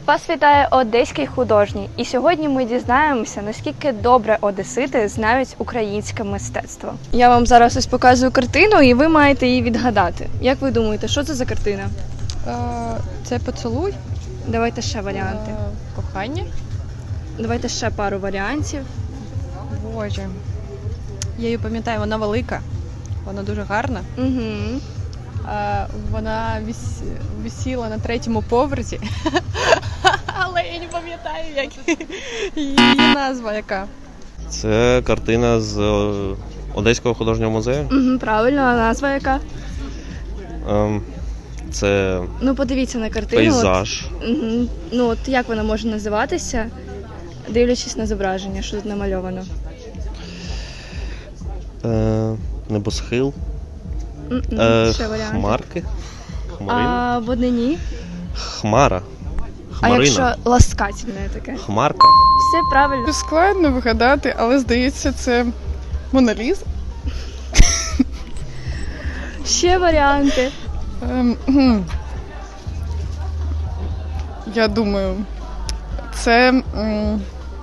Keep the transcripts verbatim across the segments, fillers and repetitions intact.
Вас вітає Одеський художній, і сьогодні ми дізнаємося, наскільки добре одесити знають українське мистецтво. Я вам зараз ось показую картину, і ви маєте її відгадати. Як ви думаєте, що це за картина? Це поцілуй, Давайте ще варіанти. кохання. Давайте ще пару варіантів. Боже. Я її пам'ятаю, вона велика, вона дуже гарна. Угу. Вона віс... висіла на третьому поверсі, але я не пам'ятаю, як її назва яка. Це картина з е, Одеського художнього музею. Угу, правильно, а назва яка? Ем, Це Ну, подивіться на картину. пейзаж. От, угу. Ну, от як вона може називатися, дивлячись на зображення, що тут намальовано? Е, Небосхил. М-м, Е, ще варіанти. Хмарки. Хмарина. А в однині? Хмара. А Хмарина. якщо ласкательне таке? Хмарка. Все правильно. Складно вигадати, але здається, це Мона Ліза. Ще варіанти. Ем, гм. Я думаю, це м,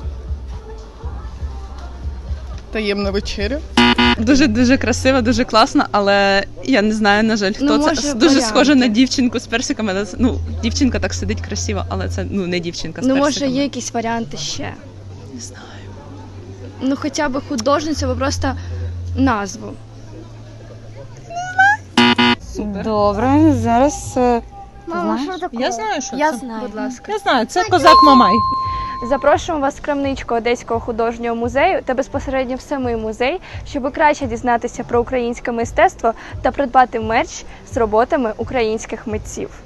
таємна вечеря. Дуже-дуже красиво, дуже класно, але я не знаю, на жаль, хто Ну, це. може, Дуже варіанти. схоже на дівчинку з персиками. але це- Ну, дівчинка так сидить красиво, але це ну не дівчинка з Ну, може, персиками. є якісь варіанти ще. Не знаю. Ну, хоча б художницю, або просто назву. Добре, зараз е, Мама, знаєш? що таке? Я знаю, що Я це. знаю. Будь ласка. Я знаю, це козак Мамай. Запрошуємо вас в крамничку Одеського художнього музею та безпосередньо в самий музей, щоб краще дізнатися про українське мистецтво та придбати мерч з роботами українських митців.